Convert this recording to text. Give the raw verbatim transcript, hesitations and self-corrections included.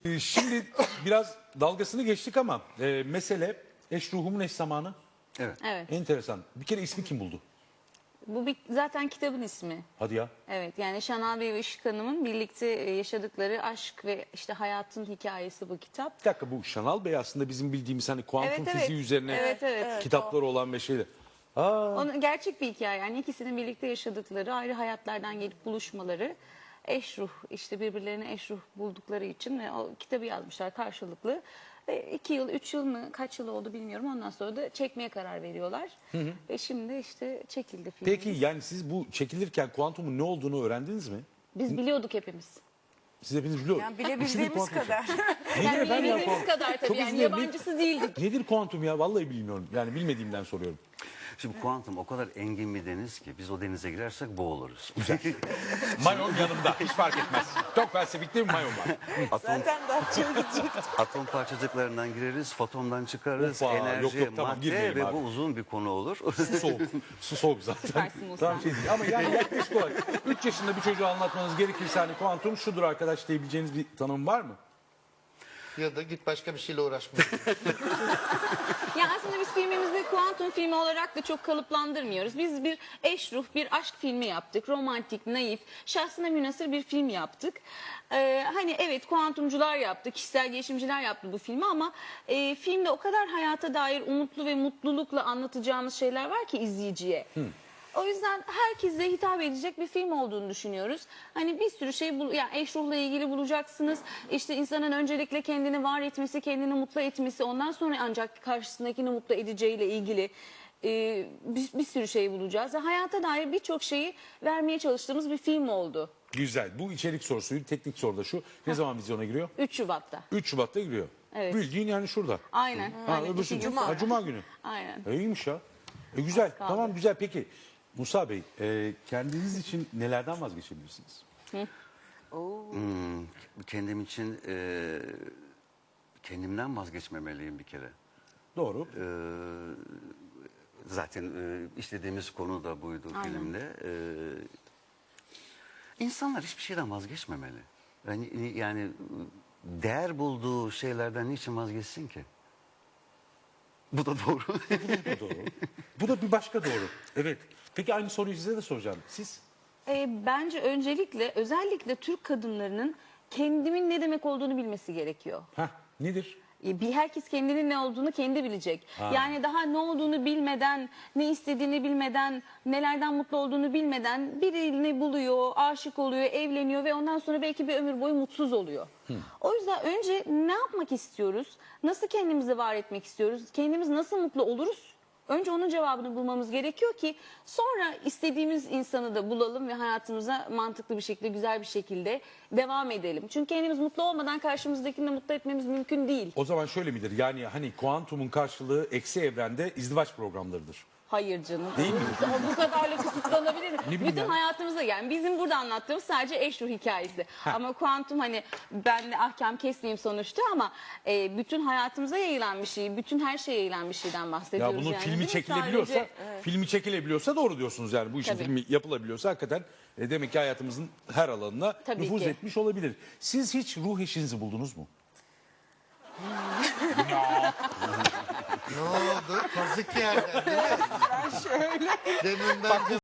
Ee, Şimdi biraz dalgasını geçtik ama e, mesele eş ruhumun eş zamanı. Evet. Evet. Enteresan. Bir kere ismi kim buldu? Bu bir, zaten kitabın ismi. Hadi ya. Evet, yani Şanal Bey ve Işık Hanım'ın birlikte yaşadıkları aşk ve işte hayatın hikayesi bu kitap. Bir dakika, bu Şanal Bey aslında bizim bildiğimiz hani kuantum Evet, evet. fiziği üzerine Evet, evet. kitapları olan ve şeyler. Aa, Onun gerçek bir hikaye, yani ikisinin birlikte yaşadıkları, ayrı hayatlardan gelip buluşmaları, eş ruh, işte birbirlerine eş ruh buldukları için ve o kitabı yazmışlar karşılıklı. Ve iki yıl, üç yıl mı, kaç yıl oldu bilmiyorum. Ondan sonra da çekmeye karar veriyorlar. Ve şimdi işte çekildi film. peki yani siz bu çekilirken kuantumun ne olduğunu öğrendiniz mi? Biz biliyorduk hepimiz. Siz hepiniz biliyor Yani musunuz? bilebildiğimiz Kuantum şey. kadar. Nedir Yani efendim ya bildiğimiz kuantum? kadar tabii, Çok yani özür dilerim. yabancısı değildik. Nedir kuantum ya? Vallahi bilmiyorum. Yani bilmediğimden soruyorum. Şimdi kuantum o kadar engin bir deniz ki biz o denize girersek boğuluruz. Mayon yanımda. Hiç fark etmez. Çok felsefik değil mi mayon var? Atom, Zaten daha çözecek. atom parçacıklarından gireriz, fotondan çıkarız, Hoppa, enerji, yok, yok, tamam, madde girmeyelim ve abi. bu uzun bir konu olur. Su soğuk. Su soğuk zaten. Süpersin Musa. Tamam şey değil. Ama yani yaklaşık olarak üç yaşında bir çocuğa anlatmanız gerekirse hani kuantum şudur arkadaş diyebileceğiniz bir tanım var mı? Ya da git başka bir şeyle uğraşma. Ya aslında biz filmimizi kuantum filmi olarak da çok kalıplandırmıyoruz. Biz bir eş ruh, bir aşk filmi yaptık. Romantik, naif, şahsına münhasır bir film yaptık. Ee, hani evet, kuantumcular yaptı, kişisel gelişimciler yaptı bu filmi ama e, filmde o kadar hayata dair umutlu ve mutlulukla anlatacağımız şeyler var ki izleyiciye. O yüzden herkese hitap edecek bir film olduğunu düşünüyoruz. Hani bir sürü şey, bul yani eş ruhla ilgili bulacaksınız. İşte insanın öncelikle kendini var etmesi, kendini mutlu etmesi, ondan sonra ancak karşısındakini mutlu edeceğiyle ilgili e, bir, bir sürü şey bulacağız. Ve hayata dair birçok şeyi vermeye çalıştığımız bir film oldu. Güzel. Bu içerik sorusuydu. Teknik soru da şu. Ne zaman vizyona giriyor? üç Şubat'ta. üç Şubat'ta giriyor. Evet. Bildiğin yani şurada. Aynen. Ha, Aynen. öbürsü İki gün Cuma. sonra. Ha, Cuma günü. Aynen. E, iyiymiş ya. E, güzel. Az kaldı. Tamam, güzel. Peki Musa Bey, e, kendiniz için nelerden vazgeçebilirsiniz? Hmm, kendim için e, kendimden vazgeçmemeliyim bir kere. Doğru. E, zaten e, işlediğimiz konu da buydu Aynen. filmde. E, insanlar hiçbir şeyden vazgeçmemeli. Yani, yani değer bulduğu şeylerden niçin vazgeçsin ki? Bu da doğru. Bu da doğru. Bu da bir başka doğru. Evet. Peki aynı soruyu size de soracağım. Siz? E, bence öncelikle özellikle Türk kadınlarının kendimin ne demek olduğunu bilmesi gerekiyor. Heh, nedir? E, Bir herkes kendinin ne olduğunu kendi bilecek. Ha. Yani daha ne olduğunu bilmeden, ne istediğini bilmeden, nelerden mutlu olduğunu bilmeden birini buluyor, aşık oluyor, evleniyor ve ondan sonra belki bir ömür boyu mutsuz oluyor. O yüzden önce ne yapmak istiyoruz? Nasıl kendimizi var etmek istiyoruz? Kendimiz nasıl mutlu oluruz? Önce onun cevabını bulmamız gerekiyor ki sonra istediğimiz insanı da bulalım ve hayatımıza mantıklı bir şekilde, güzel bir şekilde devam edelim. Çünkü kendimiz mutlu olmadan karşımızdakini de mutlu etmemiz mümkün değil. O zaman şöyle midir? Yani hani kuantumun karşılığı eksi evrende izdivaç programlarıdır. Hayır canım. Değil mi? Bu kadarla kısıtlanabilir mi? bileyim Bütün ben. hayatımızda, yani bizim burada anlattığımız sadece eş ruh hikayesi. Ama kuantum, hani ben de ahkam kesmeyeyim sonuçta ama e, bütün hayatımıza yayılan bir şey, bütün her şeye yayılan bir şeyden Ya bahsediyoruz. bunun yani, değil filmi mi? çekilebiliyorsa, Sadece- filmi çekilebiliyorsa doğru diyorsunuz yani. Bu işin Tabii. filmi yapılabiliyorsa hakikaten e, demek ki hayatımızın her alanına Tabii nüfuz ki. etmiş olabilir. Siz hiç ruh eşinizi buldunuz mu? Ne oldu? Kazık yerden değil mi? Ben şöyle. Demin bence